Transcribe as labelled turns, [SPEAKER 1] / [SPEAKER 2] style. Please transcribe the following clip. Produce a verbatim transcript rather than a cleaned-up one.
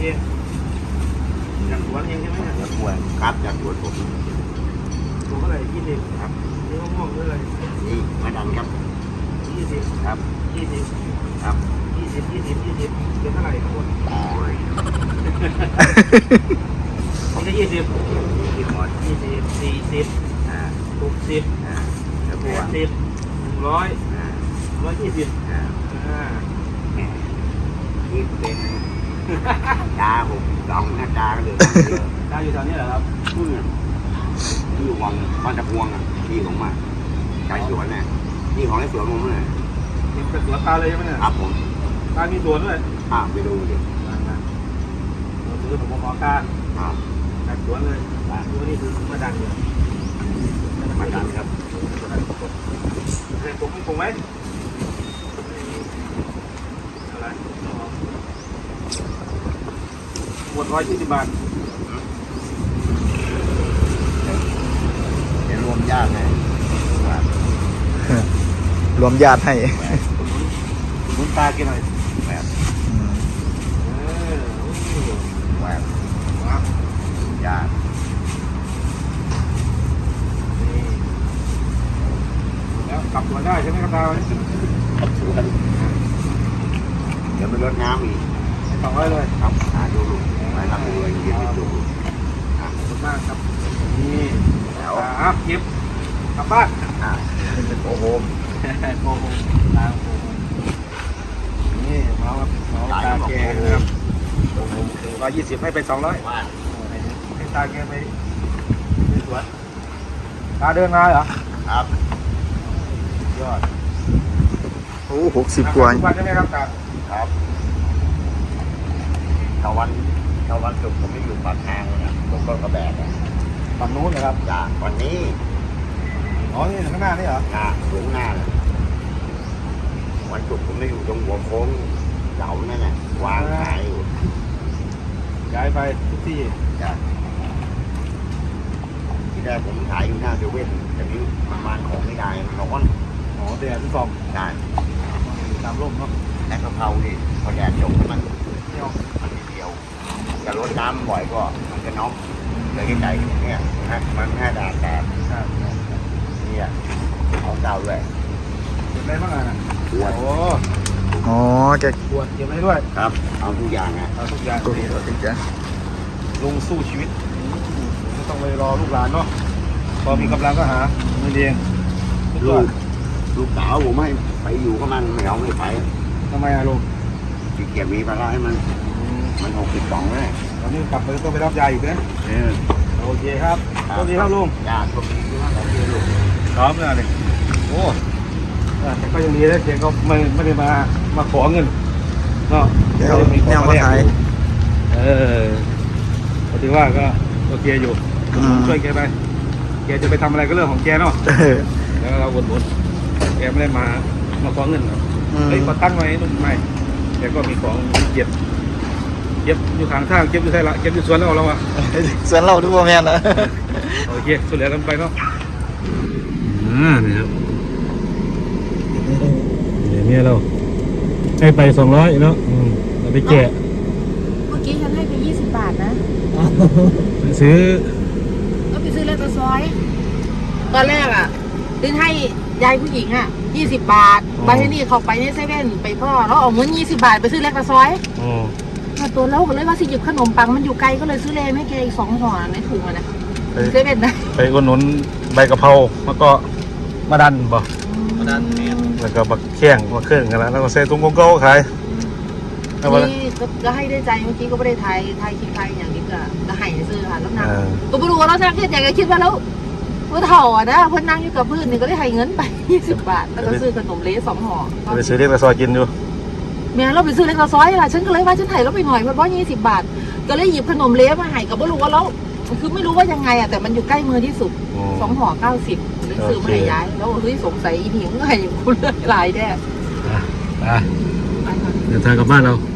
[SPEAKER 1] เองจากสวนเองใช่ไหมเนี่ย
[SPEAKER 2] จากสวนครับจากสวนผม
[SPEAKER 1] ตัวเท่าไหร่ยี่สิบครับนี่มะม่วงเท่าไหร่
[SPEAKER 2] นี่มาดันครับ
[SPEAKER 1] ยี่สิบ
[SPEAKER 2] ครับ
[SPEAKER 1] ยี่สิบ
[SPEAKER 2] ครับ
[SPEAKER 1] ยี่สิบยี่สิบยี่สิบเป็นเท่าไหร่ทั้งหมดผมได้ยี่สิบยี่สิบหมดยี่สิบสี่สิบอ่าหกสิบอ่าแปดสิบหนึ่งร้อยอ่าร้อยยี่สิบอ่าอ่า
[SPEAKER 2] นี่เป็นดาผมสองหน้าดาก็เลย
[SPEAKER 1] ตาอยู่แถวนี้เหรอครับ
[SPEAKER 2] ที่ที่วังบ้านตะพวงอ่ะที่ของมาชายสวนเนี่ยนี่ของไอ้สวนผมเลย
[SPEAKER 1] นี่เป็นสวนตาเลยใช่ไหมเนี่ย
[SPEAKER 2] ครับผม
[SPEAKER 1] ตามีสวนด้วย
[SPEAKER 2] อ่าไปดูดิ
[SPEAKER 1] เราซื้อผมขอการ
[SPEAKER 2] อ่า
[SPEAKER 1] จากสวนเลยดูนี่คือมาดันเลย
[SPEAKER 2] มาดันครับ
[SPEAKER 1] เห็นผมมีผมไหมอะไรหมดร้อยยี่สิบบาท
[SPEAKER 2] เดี๋ยวรวมญาติไง
[SPEAKER 3] รวมญาติให้
[SPEAKER 1] คุณตากินหน่อย
[SPEAKER 2] แบบ
[SPEAKER 1] เออ
[SPEAKER 2] แบบญาติ
[SPEAKER 1] นี่แล้วกลับสวนได้ใช่ไหมครับตา
[SPEAKER 2] ครับสวนเดี๋ยวไปรดน้ำอีก
[SPEAKER 1] สองร้อยเลย
[SPEAKER 2] ครับหาดูลูกไปรับดูเยี่ยมไปดู
[SPEAKER 1] ขอบคุณมากครับนี่แล้วอ่ะเก็บกลับบ้าน
[SPEAKER 2] อ่าเป็นโอโฮม
[SPEAKER 1] โอ้โหตาโอ้โหนี่เมาครับเมาตาแกนะครับโอ้โหร้อยยี่สิบให้ไปสองร้อย
[SPEAKER 2] ว่า
[SPEAKER 1] ให้ตาแกไปไปสวนตาเดินมาเหรอ
[SPEAKER 2] ครับ
[SPEAKER 1] ยอด
[SPEAKER 3] โอ้หกสิบกว่า
[SPEAKER 1] ทุกวันใช่ไหมครับตา
[SPEAKER 2] ครับถ้าวันถ้าวันศุกร์ผมไม่อยู่ปากทางเลยนะผมก็กระแบกอ่ะ
[SPEAKER 1] ฝั่งนู้นนะครับ
[SPEAKER 2] จากวันนี้
[SPEAKER 1] อ๋อนี่ข้างหน้านี่เหรอ
[SPEAKER 2] หน้าสูงหน้าเลยวันศุกร์ผมไม่อยู่ตรงหัวโค้งเสานั่นแหละวางขายอยู่
[SPEAKER 1] ย้ายไปทุกที่
[SPEAKER 2] จ้ะที่แรกผมขายอยู่หน้าเซเว่นแต่นี้มันมาของไม่ได้มันร้อน
[SPEAKER 1] อ๋อเดี๋ยวทุกซอง
[SPEAKER 2] ได้
[SPEAKER 1] ตามร่มเนาะ
[SPEAKER 2] และกะเพรานี่พอแดดจบมัน
[SPEAKER 1] เที่ยว
[SPEAKER 2] มันนิดเดียวจะลดน้ำบ่อยก็มันจะน็อกเลยใจเนี่ยนะมันแค่แดดแดด
[SPEAKER 1] ใช่ใช่
[SPEAKER 2] เนี่ยของเก่าด้วย
[SPEAKER 1] เก็บได้บ้างอ่ะ
[SPEAKER 2] ขวด
[SPEAKER 1] โอ้
[SPEAKER 3] อ๋อแก
[SPEAKER 1] ขวดเก็บได้ด้วย
[SPEAKER 2] ครับ เอาทุกอย่างนะ
[SPEAKER 1] เอาทุกอย่าง
[SPEAKER 3] ตัวนี้ตัวนี้จ้ะ
[SPEAKER 1] ลงสู้ชีวิตไม่ต้องไปรอลูกหลานเนาะพอมีกำลังก็หาเงินเองทุก
[SPEAKER 2] ลู
[SPEAKER 1] ยอด
[SPEAKER 2] กลูกสาวผมให้ไปอยู่กับมันไม่เอาไม่ไป
[SPEAKER 1] ทำไมอะลุง
[SPEAKER 2] ขี้เกียจมีภาระให้มันมันหกสิบสองแล้ว
[SPEAKER 1] ตอนนี้กลับไปต้องไปรับยาอีกนะ
[SPEAKER 2] เออ
[SPEAKER 1] โอเคครับสวัสดีครับลุง
[SPEAKER 2] ญาติพวกนี้ที่ว่าเราเจอลูก
[SPEAKER 1] พร้อมแล้วเลยโอ้แต่ก็ยังดีนะเจ๊ก็ไม่ไม่ได้มามาขอเงินเนาะ
[SPEAKER 3] แกเอาแนวมาขาย
[SPEAKER 1] เออก็ถือว่าก็โอเคอยู่
[SPEAKER 3] อืม
[SPEAKER 1] ช่วยแกไปแกจะไปทำอะไรก็เรื่องของแกเนาะ
[SPEAKER 3] เออ
[SPEAKER 1] แล้วเราวนๆแกไม่ได้มามาขอเงินหรอก
[SPEAKER 3] อืม
[SPEAKER 1] เฮ้ยขอตั้งหน่อยนุ่มไม่แกก็มีของเก็บเก็บอยู่ข้างทางเก็บอยู่ใช่ละเก็บอยู่สวนแล้วเราอะ
[SPEAKER 3] ส่วนเราทุกว่าแม่นนะ
[SPEAKER 1] โอเคสุดแล้วกันไปเนาะอ่านี่ครับเนี่ยเราให้ไปสองร้อยเนาะเราไปแกะ
[SPEAKER 4] เมื่อกี้ฉันให้ไปยี่สิบบาทนะ
[SPEAKER 1] ซื้อ
[SPEAKER 4] ก็ไปซื้อเล็กตะซอย ตอนแรกอ่ะซื้อให้ยายผู้หญิงอ่ะยี่สิบบาทบาที่นี่เขาไปในเซเว่นไปพ่อแล้วเอาเงินยี่สิบบาทไปซื้อเล็กตะซอย
[SPEAKER 1] อ๋อ
[SPEAKER 4] มาตัวเราก็เลยว่าสิหยิบขนมปังมันอยู่ไกลก็เลยซื้อเลยให้แกอีกสองห่อในถุงอะนะ
[SPEAKER 1] ไป
[SPEAKER 4] เซเว่นนะ
[SPEAKER 1] ไปอุดหนุนใบกะเพราแล้วก็มาดันบ่
[SPEAKER 2] มาดันเนี่ย
[SPEAKER 1] แล้วก็บักแข้งมาเครื่องกันแล้วแล้วก็ใส่ถุงโกโก้ขายแล้วว่า
[SPEAKER 4] นี่ก็ให้ได้ใจเมื่อกี้ก็ไม่ได้ไทยไทยคิดไทยอย่างนี้ก็ก็ให้ซื้อค่ะแล้วนั่ง
[SPEAKER 1] เออ
[SPEAKER 4] ตัวปรูเราจะคิดอย่างไรคิดว่าแล้วว่าเถ่าอ่ะนะเพื่อนนั่งอยู่กับเพื่อนนี่ก็ได้ให้เงินไปยี่สิบบาทแล้วก็ซื้อขนมเละสองห่อ
[SPEAKER 1] ไปซื้อเล็กกระซอยกินอยู่
[SPEAKER 4] แม่เราไปซื้อเล็กกระซอยล่ะฉันก็เลยว่าฉันไถ่เราไปหน่อยเพราะว่ายี่สิบบาท ก็เลยหยิบขนมเละมาให้กับว่ารู้ว่าแล้วคือไม่รู้ว่ายังไงอ่ะแต่มันอยู่ใกล้มือที่สุดสองห่อเก้าสิบเลยซื้อมาให้ย้ายแล้วเฮ้ยสงสัยอีหนิงก็ให้กูเลือกลายแน่
[SPEAKER 1] อ่ะเดินทางกลับบ้านเรา